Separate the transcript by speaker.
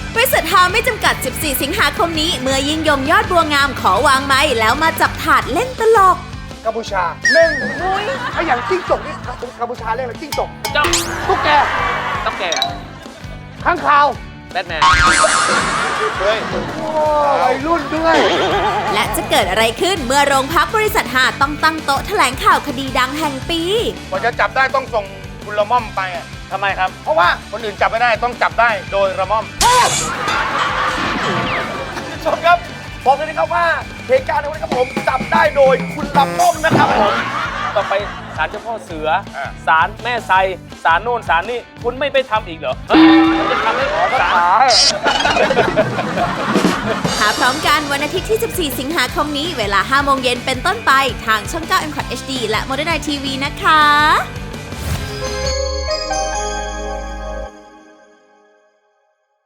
Speaker 1: บริษัทฮาไม่จำกัด 14 สิงหาคมนี้เมื่อยิ่งยงยอดบัวงามขอวางไม้แล้วมาจับถาดเล่นตลก
Speaker 2: กัมพูชาหนึ่งไอ้อย่างจิ้งจกนี่กัมพูชาเรียกอะไรจิ้งจก
Speaker 3: จ้อง
Speaker 2: ตุ๊กแก
Speaker 3: ต้องแก่
Speaker 2: ข้างคาว
Speaker 3: แบทแมน
Speaker 2: เฮ้ยวัยรุ่นด้วย
Speaker 1: และจะเกิดอะไรขึ้นเมื่อโรงพักบริษัทฮาต้องตั้งโต๊ะแถลงข่าวคดีดังแห่งปี
Speaker 4: กว่าจะจับได้ต้องส่งคุณละม่อมไปอะ
Speaker 3: ทำไมครับ
Speaker 4: เพราะว่าคนอื่นจับไม่ได้ต้องจับได้โดยละม่อม
Speaker 2: ชมครับบอกเลยนะครับว่าเหตุการณ์ในวันนี้ครับผมจับได้โดยคุณลำต้มนะครับผม
Speaker 3: ต่อไปศาลเจ้าพ่อเสือศาลแม่ไซศาลโน่นศาลนี่คุณไม่ไปทำอีกเหรอมันจะทำให้ศาล
Speaker 1: หาพร้อมกันวันอาทิตย์ที่ 14 สิงหาคมนี้เวลา 5 โมงเย็นเป็นต้นไปทางช่อง 9 M Cot HD และ Modern Night TV นะคะ